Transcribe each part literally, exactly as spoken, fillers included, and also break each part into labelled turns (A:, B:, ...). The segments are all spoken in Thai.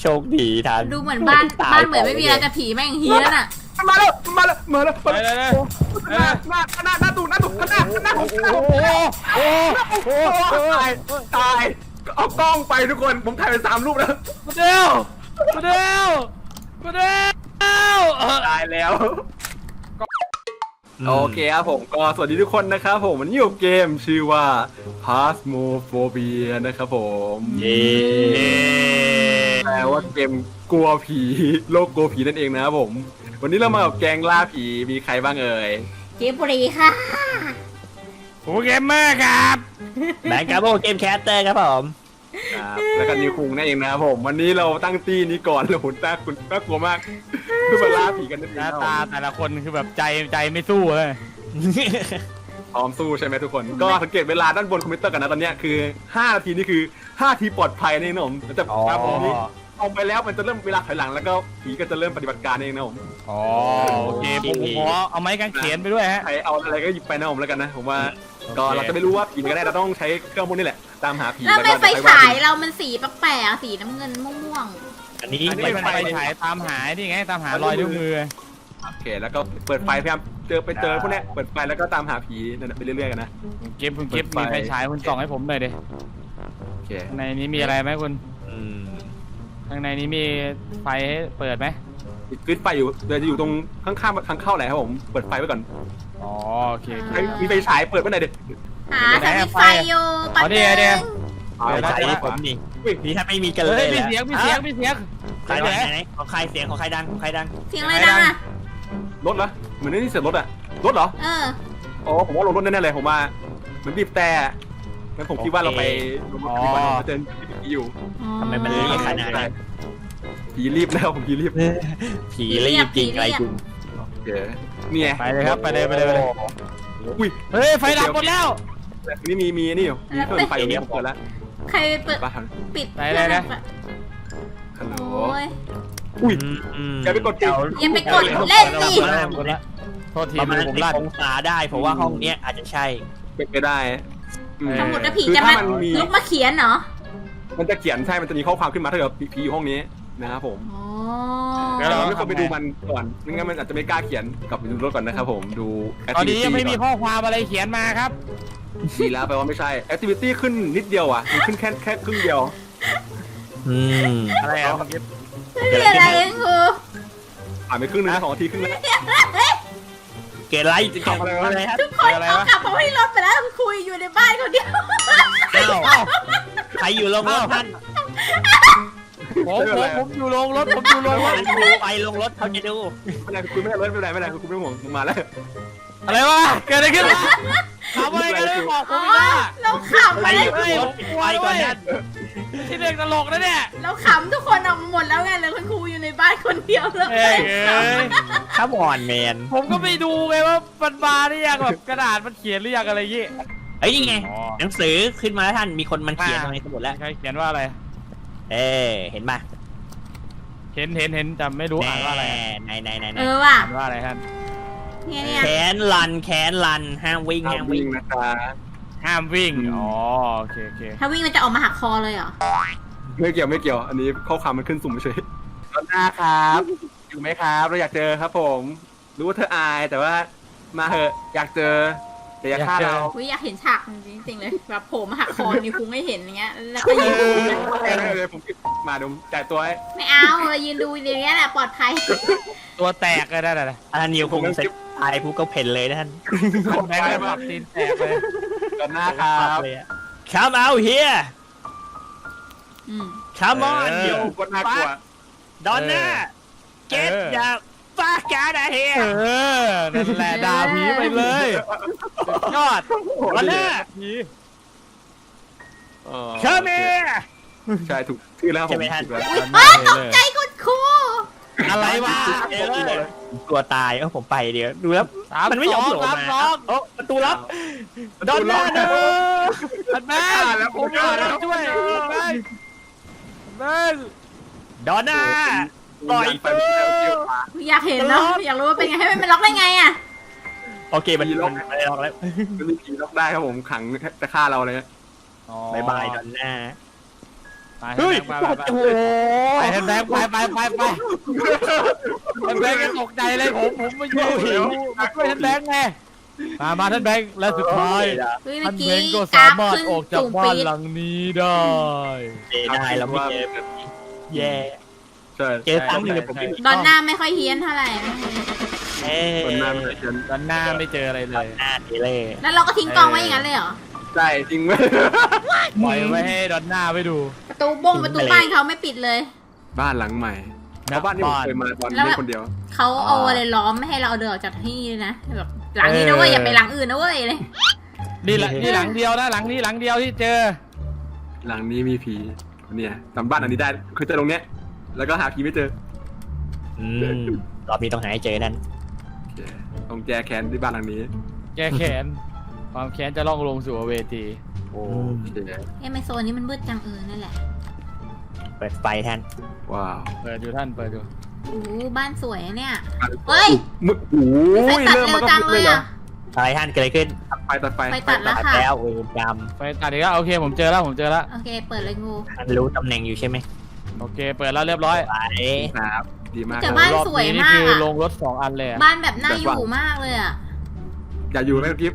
A: ชคดีทัน
B: ดูเหมือนบ้านบ้านเหมือนไม่มีอะไรแต่ผีแม่งเฮี้ยนอ่ะ
C: มาแล้วมาแล้วมาแล้วมา
D: ไปเลย
C: แล้วหน้าหน้าหน้าหน้าตูหน้าตูหน้าหน้าผม
D: โอ้โหโอ้โห
C: ตายตายเอากล้องไปทุกคนผมถ่ายไปสามรูปแล้ว
D: มาเดียวมาเดียวมาเดียว
C: ตายแล้วโอเคครับผมก็สวัสดีทุกคนนะครับผมวันนี้อยู่เกมชื่อว่า Phasmophobia นะครับผม
A: เย้
C: แปลว่าเกมกลัวผีโลกกลัวผีนั่นเองนะครับผมวันนี้เรามากับแกงล่าผีมีใครบ้างเอ่ย
B: เกมบุรีค่ะ
D: โอ้เกมเมอร์ครับ
A: แบงค์ครับโอเกมแคสเตอร์ครับผม
C: ครับแล้วก็นิวคุงนั่นเองนะครับผมวันนี้เราตั้งตี้นี้ก่อนแล้วหุ่นตาคุณน่ากลัวมากเพื่อมาล่าผีกันนั่นเอง
D: หน้าตาแต่ละคนคือแบบใจใจไม่สู้เลย
C: พร้อมสู้ใช่ไหมทุกคนก็สังเกตเวลาด้านบนคอมพิวเตอร์กันนะตอนนี้คือห้านาทีนี่คือห้านาทีปลอดภัยนี่นะผมแต่ครับผมนี้เอาไปแล้วมันจะเริ่มเวลาถอยหลังแล้วก็ผีก็จะเริ่มปฏิบัติการเองนะผม
D: อ๋อโอเคผมขอเอาไม้กางเขนไปด้วยฮะ
C: ใครเอาอะไรก็หยิบไปนะผมแล้วกันนะผมว่าก็เราจะไม่รู้ว่าผีก็ได้เราต้องใช้เครื่องพวกนี้แหละตามหาผี
B: แล้วไม่ไฟฉายเรามันสีแปลกๆสีน้ำเงินม่วง
A: อันนี้
D: ไม่เป็นไฟฉายตามหาที่ไงตามหารอยนิ้วมือ
C: โอเคแล้วก็เปิดไฟพยายามเจอไปเจอพวกนี้เปิดไฟแล้วก็ตามหาผีนั่นไปเรื่อยๆกันนะ
D: เก็บคุณเก็บมีไฟฉายคุณส่องให้ผมหน่อยดิ
C: โอเค
D: ในนี้มีอะไรไหมคุณข้างในนี้มีไฟให้เปิดไหม
C: กริดไฟอยู่เดี๋ยวจะอยู่ตรงข้างๆทางเข้าไหนครับผมเปิดไฟไว้ก่อน
D: อ๋อโอเค
C: มีไฟฉายเปิดไว้ไหนดิ
B: หาสายไฟอยู่ปัดเดี๋ยว
A: เดี๋ยวไฟผมนี่นี่ถ้าไม่มีกันเลย
D: มีเสียงมีเสียงมีเสียง
A: ใครไหนของใครเสียงของใครดังของใครดัง
B: เสียงอะไรดังอะ
C: รถเหรอเหมือนนี่เสียงรถอะรถเหรอ
B: เออ
C: อ๋อผมว่ารถรถแน่ๆเลยผมว่าเหมือนบีบแต่งั้นผมคิดว่าเราไปลงรถดีกว่าเราเจอผีอยู่
A: ทำไมมันรีบขนาดนั้น
C: ผีรีบแล้วผมผีรีบ
A: ผีรีบจริงอะไรจริง
C: นี่ไง
D: ไปเลยครับไปเลยไปเลยไปเลย
C: อุ้ย
D: เฮ้ยไฟดับหมดแล้ว
C: นี่มีมีนี่อยู่มีเครื่องไฟเนี้ยเปิดแล้ว
B: ใครเปิดปิด
D: ไปเลยนะ
C: ฮัลโหล
B: อุ้
C: ยอย่าไปกดเก่า
B: อย่าไปกดเล่นสิ
D: โทษที
A: มัน
D: ผมลั่น
A: องศาได้เพราะว่าห้องเนี้ยอาจจะใช่
C: เป็นไปได้
B: ทั้งหมดผีจะมาลุกมาเขียนเหรอ
C: มันจะเขียนใช่มันจะมีข้อความขึ้นมาถ้าเกิดผีอยู่ห้องนี้นะครับผมแล้วเราไม่ควรไปดูมันก่อนไม่งั้นมันอาจจะไม่กล้าเขียนกลับไปดูรถก่อนนะครับผมดู
D: ตอนนี้ยังไม่มีข้อความอะไรเขียนมาครับ
C: ดีแล้วแปลว่าไม่ใช่ activity ขึ้นนิดเดียวอ่ะมันขึ้นแค่แค่ครึ่งเดียว
A: อืม
D: อะไรอ่ะ
B: ไม่อะไรกู
C: ผ่านไปครึ่งนึงสองนาทีครึ่งแล้ว
A: เกลไลท์จะเก็บอะไร
B: ทุกคนเอากลับมาที่รถไปแล้วคุยอยู่ในบ้านคนเดียว
A: ใครอยู่ลงรถท่าน
D: ผมผมผมอยู่ลงรถผมอยู่ลงรถ
A: ไปลงรถเขาจะดู
C: ไม่ได้คุณไม่ได้รถไม่ได้ไม่ได้คุณไม่ห่วงมึงมาแล้ว
D: อะไรวะเกิดอะไรขึ้นทำอะไรกันเลยบอกผมไม่ได้
B: เราขำไป
D: เลยไปก่อนนั่นที่เด็กตลกนะเนี่ย
B: เราขำทุกคนออกมาหมดแล้วไงเลยคุณครูอยู่ในบ้านคนเดียวเลย
A: ถ้าบอนแมน
D: ผมก็ไปดูไงว่ามันมาหรือยังแบบกระดาษมันเขียนหรือยังอะไรยี่
A: เอ้ยนี่ไงหนังสือขึ้นมาแล้วท่านมีคนมันเขียนในสมุดแล้ว
D: ใครเขียนว่าอะไร
A: เอ๊เห็นป่ะ
D: เห็นเห็นเห็นจำไม่รู้อ่านว่าอะไร
A: ไหนไหนไหน
B: เออว่ะ
D: อ่านว่าอะไรท่าน
A: แขนลันแขนลันห้ามวิ่งห้ามวิ่ง
C: นะคะ
D: ห้ามวิ่งอ๋อโอเคโอเค
B: ถ้าวิ่งมันจะออกมาหักคอเลยเหรอ
C: ไม่เกี่ยวไม่เกี่ยวอันนี้ข้อความมันขึ้นสุ่มเฉยตอนหน้าครับอยู่ไหมครับเราอยากเจอครับผมรู้ว่าเธออายแต่ว่ามาเหอะอยากเจอแต่อยากฆ่าเรา
B: อยากเห็นฉากจริงๆเลยแบบโผล่มาหักคอนิ้วคุ้งไม่เห็นอย่างเงี้ยแล้วก็ยืนดู
C: เลยผมมาดูจ่ายตัว
B: ไม่เอาเลยยืนดูอย่างเงี้ยแหละปลอดภัย
D: ตัวแตกเลยได้เลย
A: อันนี้คงเสร็จตายผู้ก็เพ่นเลยท่าน
D: แม่แบบตีนแตกเลย
C: ตอนหน้าครับ
A: Come out here Come on
C: เดี๋ยวก็น่ากลัว
A: Donna Get the fuck out of here
D: เออนั่นแหละด่าผีไปเลยยอด
A: Donna
D: ผี
A: Come here
C: ใช่ถูกชื่อแล้วผม
B: ตกใจคุณครู
A: อะไรวะกลัวตายเออผมไปเดี๋ยวดูแล้วมันไม่ยอมโผล่มาโอ้ประตูลับดอนน่าเด้อ
D: แม่ผมมาช่วยแม่
A: ดอนน่าปล่อยตัว
B: อยากเห็นเนาะอยากรู้ว่าเป็นไงให้มันล็อกได้ไงอ่ะ
A: โอเคมันล็อกไม่ได้ล็อกแล้ว
C: มันมีผีล็อกได้ครับผมขังจะฆ่าเราเลย
A: บายบายดอนน่า
D: ไป
A: เฮ้ย
D: ไปไปไป
A: โอ้โห
D: ไปแทนแบงค์ไปไปไปไปแทนแบงค์ก็ตกใจเลยผมผมมาช่วยมาช่วยแทนแบงค์ไงมามาท่านแบงค์และสุดท้าย
B: เฮ้ย
D: ท่า
B: เมื่
D: น
B: อ
D: แบ
B: กี้
D: งค์ก็
B: ก
D: สา
B: ราฟ
D: มารถ
B: ขึ้น
D: ออกจาก
B: สูง
D: บ้า
B: ปี
D: น
B: ด
D: หลังนี้ได้
A: เสียดายเราไม่เจอแย่
C: ใช่
A: เจอซ้ำหนึ่งผมไม่มี
B: ดอนหน้าไม่ค่อยเฮี้ยนเท่าไหร่
A: เอ้ย
C: คนหน้าไม่ได้เชิญ
D: ด้านหน้าไม่เจออะไรเลย
A: หน้าดีเลย
B: แล้วเราก็ทิ้งกองไว้อย่างนั้นเลยเหรอ
C: ใช่จริงไหม
D: ปล่อยไว้ให้ดอนหน้าไปดู
B: ประตูบ้งประตูบ้านเขาไม่ปิดเลย
C: บ้านหลังใหม่เพราะบ้านที่ผมเคยมาตอน
B: แล้ว
C: เล่
B: แบบ
C: นคนเดียว
B: เขาเอาอะไรล้อมไม่ให้เราเอาเดินออกจากที่นี่นะแบบหลังนี้นะเว้ยอย่าไปหลังอื่นนะเว้ยเลย
D: นี่แหละนี่หลังเดียวนะหลังนี้หลังเดียวที่เจอ
C: หลังนี้มีผีเนี่ยจำบ้านอันนี้ได้คือเจอตรงเนี้ยแล้วก็หาผีไม่เจอ
A: อืมรอบนี้ต้องหาให้เจอนั่น
C: โอเคต้องแก้แค้นที่บ้านหลังนี้
D: แก้แค้นความแค้นจะล่องลงสู่อเวจี
C: โอเค
B: เอ้ยไมโซนนี้มันมืดจังเออนั่นแหละ
A: เปิดไฟแทน
C: ว้าว
D: เปิดอยู่ท่านเปิดอยู่
B: โอ้โหบ้านสวยอะเนี่ย เฮ้ย
C: มึกโอ้
B: ไฟ
C: ย
B: ตัด
C: เริ่ม
B: เร็
C: มัน
B: ว
C: ก็
B: จัง
C: มึก
B: เล
C: เลย
B: ย
C: เหรอ
B: อ่ะ
A: อะไรท่านเกิดอะไรขึ้น
C: ตัดไฟตัดไฟ
B: ไฟตัดแล้วค่ะ
A: แล้วเวรกรรม
D: ไฟตัดอีกแล้วโอเคผมเจอแล้วผมเจอแล้ว
B: โอเคเปิดเลยงู
A: ท่านรู้ตำแหน่งอยู่ใช่ไหม
D: โอเคเปิดแล้วเรียบร้อย
A: ไป
C: ครับดีมาก
B: แต่บ้าน
D: รอบ
B: สวย
D: นี้นี่
B: มาก
D: คือ
B: อะ
D: ลงรถสองอันเลยอะ
B: บ้านแบบน่าอยู่มากเลยอ่ะ
C: อย่าอยู่ไหมกิฟต์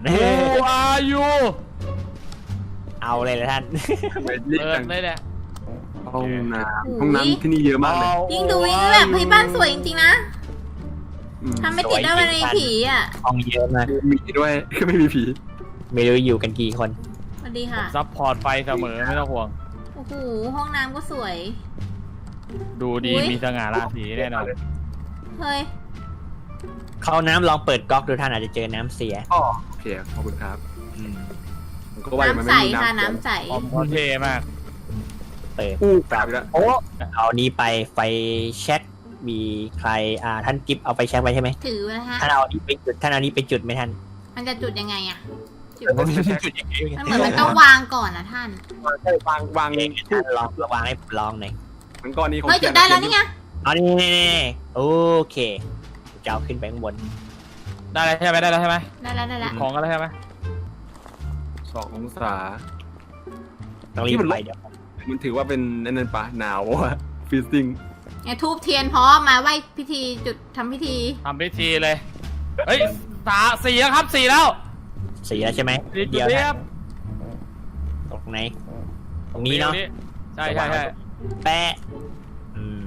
D: Who are you
A: เอาเลยละท่าน
C: ทำไมรีบ
D: เปิ
C: จั
D: ด
C: ง
D: เลยเนี่ย
C: ห้องน้ำห้องน้ำที่นี่เยอะมากเลย
B: ยิ่งดูยิ่งแบบเฮ้ยบ้านสวยจริงๆนะ
C: อืม
B: ทำไม่ติดได้วันในผีอ่ะ
A: ห้องเยอะมาก
C: มีด้วยคือไม่มีผี
A: ไม่รู้อยู่กันกี่คน
B: สวัสดี
D: ผม
B: ค่ะ
D: ซัพพอร์ตไฟเสมอไม่ต้องห่วง
B: โอ้โหห้องน้ำก็สวย
D: ดูดี
B: อุ๊ย
D: มีสง่าราศีแน่นอน
B: เฮ้ย
A: เข้าน้ำลองเปิดก๊อกดูท่านอาจจะเจอน้ำเสีย
C: อ๋อโอเคขอบคุณครับ
A: อืม
C: ผมก็ว่ามัน
B: น้ำ
C: ไม่
B: ใส
C: มี
B: ค่ะ
C: น้ำ
B: น้ำใส
D: ออมเขาเท่มาก
A: เปิด
C: อู้กลับอีกแล้ว
A: โอ้เอานี้ไปไฟแช็กมีใครอ่าท่านกิฟเอาไปแช็กไว้ใช่ไหม
B: ถือไว้ฮะ
A: ท่านเอาอันนี้ไปจุดท่านเอาอันนี้ไปจุดไหมท่าน
B: มันจะจุดยังไงอ่ะจุด
A: ผมไม่รู้จะจุดยังไง
B: มันเหมือนมันต้องวางก่อนนะท่าน
C: วางวาง
A: เองท่านลองวางให้ผมลองหน่อย
C: มันก้อนนี้ของ
B: เฮ้ยจุดได้แล้วนี่ไง
A: เอานี่นี่นี่โอเคจะเอาขึ้นไปข้างบน
D: ได้แล้วใช่ไหมได้แล้วใช่ไหม
B: ได้แล้วได้แล้ว
D: ของกันแล้วใช่ไหม
C: สององศา
A: ต้องรีบไปเดี๋ยว
C: มันถือว่าเป็นนั่นปะหนาววะฟีซิ่ง
B: เนี่ยทูบเทียนพร้อมมาไหว้พิธีจุดทำพิธี
D: ทำพิธีเลยเฮ้ยสาสี่แล้วครับสี่แล้ว
A: เสียใช่ไหม
D: สี่จุด
A: เดียว
D: เรีย
A: นะ
D: บ
A: ตรงไหน ตรงนี้เนาะ
D: ใช่ใช่ใช่
A: แปะอืม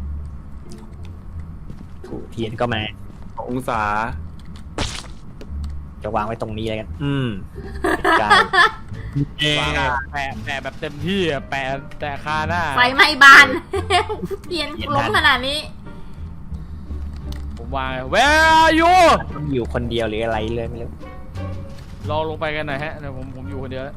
A: ถูกเทียนก็มา
C: สององศา
A: จะวางไว้ตรงนี้เลยกัน อืมกาย
D: วางอะแปะแปะแบบเต็มที่อะแปะแต่คาหน้า
B: ไฟไหม้บาน เทียนล้มขนาดนี้
D: ผมวาง Where are you
A: ต้องอยู่คนเดียวหรืออะไรเลยไม่รู้
D: ลองลงไปกันหน่อยฮะเดี๋ยวผมผมอยู่คนเดียวแล้ว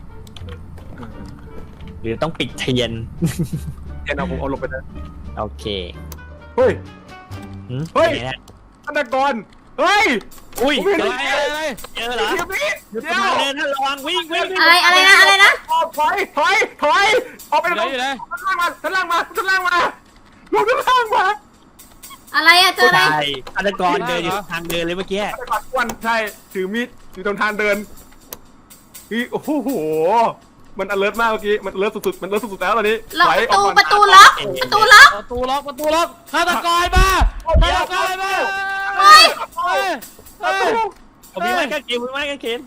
A: หรือต้องปิดเทียน
C: เดี๋ยวเอาผมเอาลงไปเลย
A: โอเค
C: เฮ้ย
A: หืม
C: เฮ้ย
A: ไหนนะ
C: ฆาตกรเฮ้ย
A: อุ้ย
C: ผมไม่
A: เจ
C: เห็
A: อน
D: อะไรอะไร
A: เจอเหรอ
C: เดี๋ยวนี้
A: เดี๋ยว
C: เดี๋ยว
A: เดินท่านระวังวิ่งวิ่งวิ่ง
B: อะไรอะไรนะอะไรนะ
C: ออกถอยถอยถอยออกไป
D: อยู่ไหนอยู่ไหน
C: ชั้นล่างมาชั้นล่างมาชั้นล่างมาลงชั้นล่างมา
B: อะไรอะเจออะไร
A: ใช่ฆาตกรเดินอยู่ทางเดินเลยเมื่อกี้
C: ฆาตกรอ้วนใช่ถือมีดอยู่ตรงทางเดินนี่โอ้โหมัน alert มากเมื่อกี้มัน alert สุดๆมัน alert สุดๆแล้วตอนนี้
B: ล็อก
C: ถอย
B: ประตู
C: ออก
B: ป
C: ก่อน
B: ระตูล็อกประตูล็อก
D: ประตูล็อกประตูล็อกฆาตกรมาฆาตกรมา
B: เฮ้ย
D: เฮ้ยเฮ้ย
A: ผมมีไม้กางเขนผมมีไม้กางเขน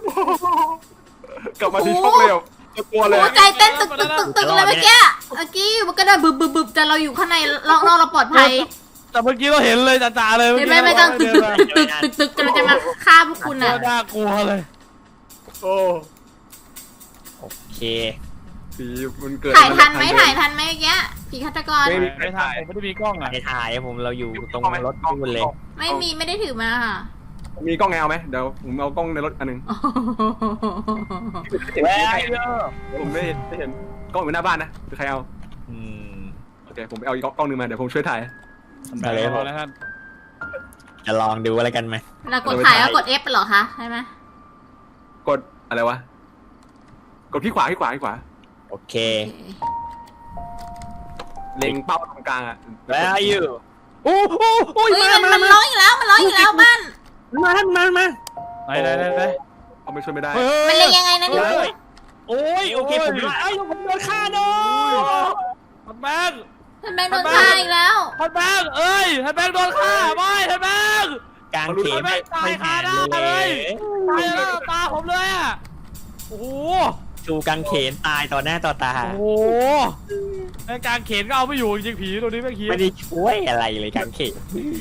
C: กลับมาที่ช่องเร็วจะกลัวเลย
B: หัวใจเต้นตึกตึกตึกตึกเลยเมื่อกี้เมื่อกี้มันก็ได้บึบบึบบึบแต่เราอยู่ข้างในเราเราเราปลอดภัย
D: แต่เมื่อกี้เราเห็นเลยจ่าๆเลย
B: เห็นไหมไม่ต้องตึกตึกตึกตึกตึกตึกเราจะมาฆ่าพวกคุณ
D: น่า
B: อ่ะ
D: น่ากลัวเลย
C: โอ้
A: โอเค
C: ผีมันเกิด
B: ถ่ายทันไหมถ่ายทันไหมเมื่อกี้ผีฆาตกร
C: ไม่มี
D: ไม่ทันผมไม่ได้มีกล้องอ่ะ
A: ในถ่ายผมเราอยู่ตรงรถนู่นเลย
B: ไม่มีไม่ได้ถือมาค่ะ
C: มีกล้องไงเอาไหมเดี๋ยวผมเอากล้องในรถอันหนึง
A: แวร์
C: ผมไม่เห็นไม่เห็นกล้องอยู่หน้าบ้านนะคือใครเอา
A: อืม
C: โอเคผมไปเอาอีกกล้องหนึงมาเดี๋ยวผมช่วยถ่าย
A: มาเลย
D: พอแล้วท่าน
A: จะลองดูอะไรกันไหม
B: เรากดถ่ายแล้วกด F เหรอคะใช่ไหม
C: กดอะไรวะกดที่ขวาที่ขวาที่ขวา
A: โอเค
C: เล็งเป้าตรงกลางอ่ะ
A: Where are you โอ้โหโอ้ย
B: เฮ้ย
A: มา
B: มัน
A: มา
B: มัน
A: มา
B: ร้องอีกแล้วมันร้องอีกแล้วบ้าน
A: มาท่านมามา
D: ไหนไหนไหนไหน
C: เอาไปช่วยไม่ได้
D: เฮ้
B: มัน
D: ย
B: เล็งยังไงนะเนี่ย
A: เฮ้ยโอ้ยโอเคผมรอดเอ้ยผมโดนฆ่าโดน
D: ท่านแบงค์
B: ท่านแบงค์โดนฆ่าอีกแล้ว
D: ท่านแบงค์เอ้ยท่านแบงค์โดนฆ่าไม่ท่านแบงค์
A: กลางเขนไม่
D: ตาย
A: ไม่
D: คา
A: หา
D: หน้า
A: เล
D: เลย
A: ย
D: ตายแล้วตาผมเลยอ่ะโอ้โห
A: ชูกางเขนตายต่อหน้าต่อตา
D: โอ้โหในกลางเขนก็เอาไม่อยู่จริงๆผีตัวนี้ไม่คิด
A: ไม่ได้ช่วยอะไรเลยกางเขน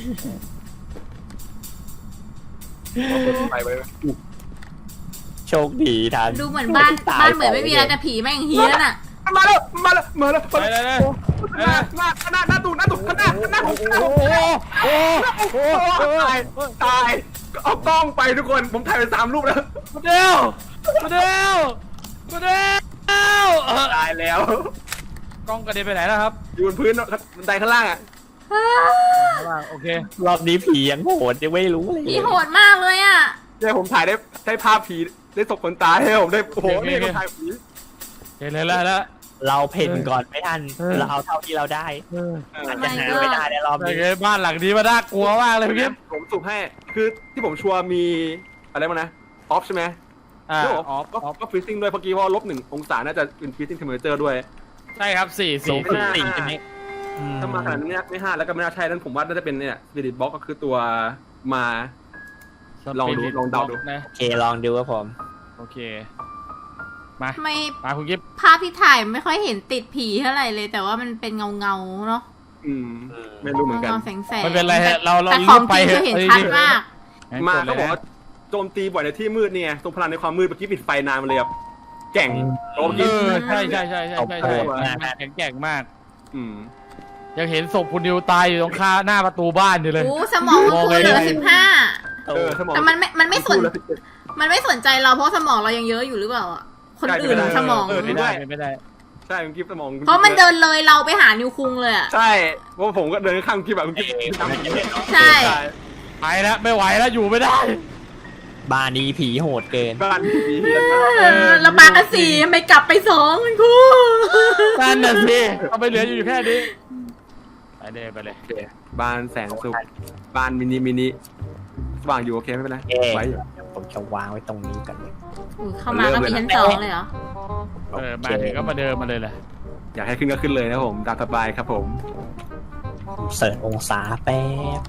C: ไปไป
A: โชคดีทัน
B: ดูเหมือนบ้านบ้านเหมือนไม่มีอะไรแต่ผีแม่งเฮี้ยนอ่ะ
C: มาแล้วมาแล้วมาแล้ว
D: ไปเลยเลย
C: หน้าหน้าหน้าหน้าตูหน้าตูหน้าหน้าผมหน้า
D: โอ้
C: ผม
D: โหโอ้โห
C: ตายตายเอากล้องไปทุกคนผมถ่ายไปสามรูปแล้ว
D: มาเดียวมาเดียวมาเดียว
C: ตายแล้ว
D: กล้องกระเด็นไปไหนแล้วครับ
C: อยู่บนพื้นบันไดข้างล่างอ่ะ
D: โอเค
A: รอบนี้ผียังโหดยังไม่รู้เลย
B: ผีโหดมากเลยอ่ะ
C: เนี่ยผมถ่ายได้ได้ภาพผีได้ศพคนตายให้ผมได้โอ้โหนี่ก็ถ่ายผี
D: เห็นเลยแล้วแล้ว
A: เราเพ่นก่อนไม่ทัน
D: เออ
A: เราเอาเท่าที่เราได้อาจจะหา
B: Oh my
A: ไม่ได้ในรอบ
D: โอ
A: นี้
D: เคบ้านหลังนี้มันน่ากลัวมากเลยพี่
C: ผมสุ่มให้คือที่ผมชัวร์มีอะไรมานะออฟใช่ไหม
D: อ่า
C: แล้ว
D: ออฟ
C: ก็
D: ออฟ
C: ก็ฟรีซิ่งด้วยเมื่อกี้ว่าลบหนึ่งองศาน่าจะเป็นฟรีซิ่งเทมเพอเรเจอร์ด้วย
D: ใช่ครับสี่
A: สู
D: สี่
A: งสุดสี่ใช่ไหมอื
C: ถ้ามาขนาดนี้ไม่ห้าแล้วก็ไม่น่าใช่นั่นผมว่าน่าจะเป็นเนี่ยสปิริตบ็อกก็คือตัวมา ลองดูลองเดาดู
D: นะ
A: โอเคลองดูครับผม
D: โอเคมา
B: ทำไม
D: มาคุณกิฟ
B: ภาพที่ถ่ายไม่ค่อยเห็นติดผีเท่าไหร่เลย แต่ว่ามันเป็นเงาเงาๆเนาะ
C: อืมไม่รู้เหมือนกัน
B: เงาๆแสงแสง
D: ไม่เป็นไรฮะเราเรา
B: แต่ของ
D: ไป
B: จริง
D: เถ
B: คือ
D: อะ
B: เห็นชัดมาก
C: มาเขาบอกว่าโจมตีบ่อยในที่มืดเนี่ยทรงพลังในความมืดเมื่อกี้ปิดไฟนานมาเลยครับแก่งโอ้
D: เอ
C: กี้
D: อใช่ใช่ใช่ใช่ใช่ใช่แข็งแกร่งมาก
C: อืม
D: ยังเห็นศพคุณนิวตายอยู่ตรงข้าหน้าประตูบ้านอยู่เลย
B: โอ้สมองมันคือเหลือสิบห้า
C: เออสมอง
B: แต่มันไม่ มันไม่สน มันไม่สนใจเราเพราะสมองเรายังเยอะอยู่หรือเปล่าอ่ะ คนอื่นสมอง
C: เออ
D: ไม่ได้ไม่ได้
C: ใช่คุณกิฟต์สมอง
B: เพราะมันเดินเลยเราไปหานิวคุงเลยอ่ะ
C: ใช่เพราะผมก็เดินข้างคุณกิฟต์แบบคุณกิฟต์ทำอย่างนี้
B: ใช่
D: ไปแล้วไม่ไหวแล้วอยู่ไม่ได้
A: บ้านนี้ผีโหดเกิน
C: บ้านผีเฮียน
B: เออเราปากันสี่ทำไม่กลับไปสองคุณครู
D: นั่นน่ะสิเอาไปเหลืออยู่แค่นี้ไปเลยไปเลย
C: โอเคบ้านแสนสุขบ้านมินิมินิสว่างอยู่โอเคไม่เป็นไร
A: เอ๊ะ
C: ไว้อยู่
A: ผมจะวางไว้ตรงนี้กันเลย
B: อุ๊ยเข้ามาก็มีชั้นสองเลยเหรอ
D: เออมาถึงก็มาเดินมาเลยแหละ
C: อยากให้ขึ้นก็ขึ้นเลยนะผมตามสบายครับผม
A: เสิร์ชองศาแป๊บ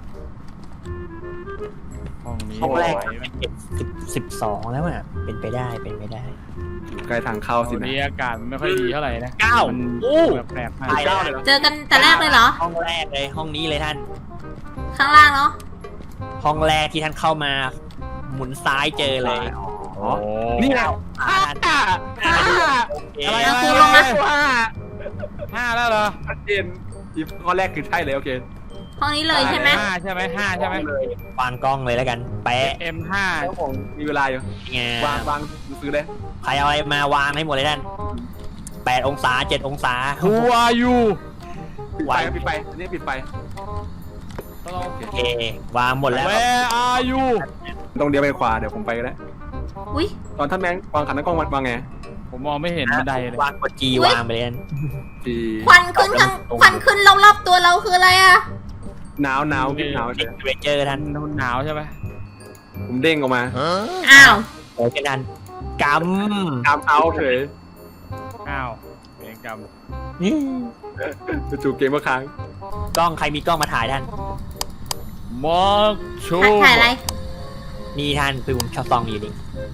D: ห้องนี้
A: ห้องแรก
D: ไหวไหม
A: สิบสิบสองแล้วอ่ะเป็นไปได้เป็นไปได้
C: อยู่ใกล้ทางเข้าสิ
D: วัน
C: นะ
D: นี้อากาศมันไม่ค่อยดีเท่าไหร่นะ
A: เก้า
D: มัน
A: อู้
D: แปลกๆมาก
A: ไปแล้ว
B: เจอกันแต่แรกเลยเหรอ
A: ห้องแรกเลยห้องนี้เลยท่าน
B: ข้างล่างเนาะ
A: ห้องแรกที่ท่านเข้ามา หมุนซ้ายเจอเลย
D: โอ้
C: นี่แหละ
A: อ่า
C: ห้าห้า
A: โอเค
D: อะไร
B: เอา
D: อะไร
B: ครูลงมา
C: ห้า
D: ห้าแล้วเหรอ
C: ชัดเจนอีกข้อแรกคือใช่เลยโอเค
B: ห้องนี้เลยใช่ไหม
D: ห้าใช่ไหมห้าใช่ไหม
C: เลย
A: วางกล้องเลยแล้วกันแปะ
D: เอ็มห้า
C: แล้วผมมีเวลาอยู่
A: ไง
C: วางวางซื้อเลย
A: ใครเอาอะไรมาวางให้หมดเลยท่านแปดองศาเจ็ดองศา
D: Who are you
C: ปิดไฟปิดไฟอันนี้ปิดไฟ
A: โอเควางหมดแล้ว
D: Where are you
C: ตรงเดียวไปขวาเดี๋ยวผมไปก็ได้
B: อุ้ย
C: ตอนท่านแบงค์วางขันน้ำกล้องวางไง
D: ผมมองไม่เห็นบันไดเลยว
A: างกดจี
B: อุ๊ย
A: วางไปเลยท่าน
C: จี
B: ควันขึ้นข้างควันขึ้นรอบๆตัวเราคืออะไรอ่ะ
C: หนาวหนาวกินหนาวเฉย
A: เวเจอร์ท่าน
D: มันหนาวใช่ไหม
C: ผมเด้งออกมา
B: อ้าว
A: โอเคท่านก
C: ตามเอาเฉย
D: อ้าวเวรกรรม
A: ำนี่
C: จู่ๆเกมเมื่อครั้ง
A: กล้องใครมีกล้องมาถ่ายท่าน
D: มาร์คชู
B: ถ่ายถ่ายอะไร
A: นี่ท่านคือผมชอบซองอยู่นี่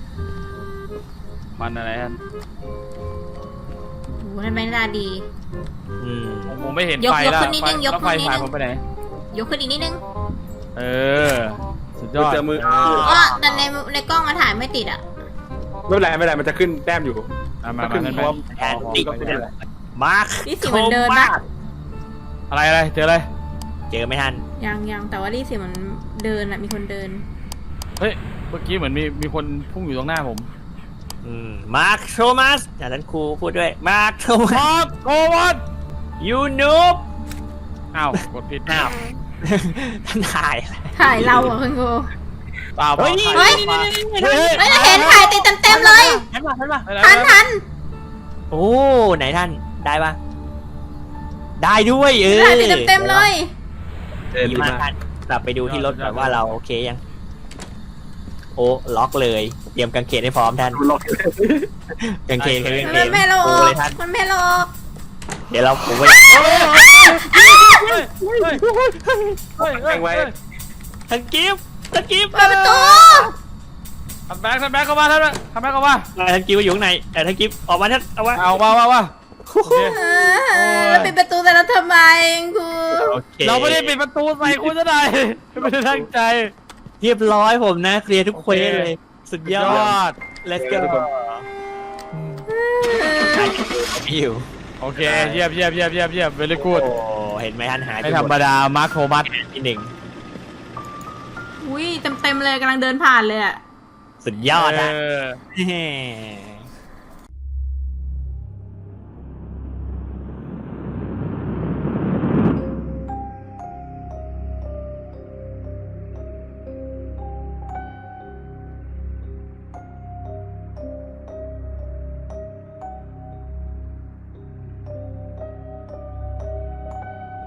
D: มันอะไรท่าน
B: โอ้โหนั่นไม่น่าดี
A: อืม
D: ผมผมไม่เห็น
B: ยก
D: ไฟ
B: ยก
D: แล้ว
B: ขึ้นนิดนึงยก
D: แล้วไฟ
B: ขึ้นนิดนึง
D: ฉายผมไปไหน
B: ยกขึ้นอีกนิดนึง
D: เออ สุดยอด
C: เจอมือ
B: อ๋อแต่ในในกล้องมาถ่ายไม่ติดอ่ะ
C: ไม่เป็นไรไม่เป็นไรมันจะขึ้นแต้มอยู่
D: อ่ะมา
C: ขึ้
D: มาน ท่าน
C: เพ
D: แบ
C: ราะ
D: งค์
A: แทนติดมาร์ค
B: นี่สิมันเดินปะ
D: อะไรอะไรเจออะไร
A: เจอไหมท่าน
B: ยังยังแต่ว่านี่สิมันเดินอ่ะมีคนเดิน
D: เฮ้ย เมื่อกี้เหมือนมีมีคนพุ่งอยู่ตรงหน้าผม
A: อืมมาร์คโทมัสจากนั้นครูพูดด้วยมาร์คโทมัส
D: มาร์คโกวัน
A: ยูนูบ
D: อ้าว กดผิด
A: อ้าวท่านถ่ายอะไร
B: ถ่ายเราอ่ะคุณครู
D: เปล่า
A: เฮ้ยนี่
B: เฮ้ย
A: นี่นี่นี่
D: เฮ้ย
B: เฮ้ยเราเห็นถ่ายติดเต็มๆเลย
A: ท่านมาท่านมา
B: ทันทัน
A: โอ้ไหนท่านได้ปะได้ด้วยเออ
B: ถ่ายติดเต็มๆเลย
C: เออ
A: ดี
C: ดี
A: มาก
C: มาก
A: ท่านกลับไปดูที่รถก่อนว่าเราโอเคยังโอ้ล็อกเลยเตรียมกางเขนให้พร้อมท่าน
C: ล็อก
A: กางเขนกางเขน
B: มันไม่หลอ
A: โอ้
B: ก
A: เลยท่าน
B: มันไม่หลอก
A: เดี๋ยวเราผมไป
D: เฮ้ยเฮ้ยเฮ้ยเฮ้ยเฮ้ย
C: แข่งไว้
A: ทันกิฟต์ทันกิฟต์
B: เปิดประตู
D: ทำแบงค์ทำแบงค์เข้ามาท่านทำแบงค์เข้ามา
A: ทันกิฟต์อยู่ข้างในแต่ทันกิฟต์ออกมาท่านเอาไว้
D: เอามาว่าว่าโอเค
B: เออแล้วปิดประตูแต่เราทำไมครู
A: โอเค
D: เราไม่ได้ปิดประตูใส่คุณซะหน่อยไม่ได้ตั้งใจ
A: เรียบร้อยผมนะเคลียร์ทุกเควสเลย สุดยอด let's go อยู่
D: โอเคเยี่ยมเยี่ยมเยี่ยมเยี่ยมเยี่ยมเวลี่กูด
A: โอ้เห็นไหมท่านหาย
D: ไม่ธรรมดามาร์คโทมัส
A: ที่หนึ่ง
B: อุ้ยเต็มเต็มๆเลยกำลังเดินผ่านเลยอะ
A: สุดยอดนะ
D: เออ
A: แหม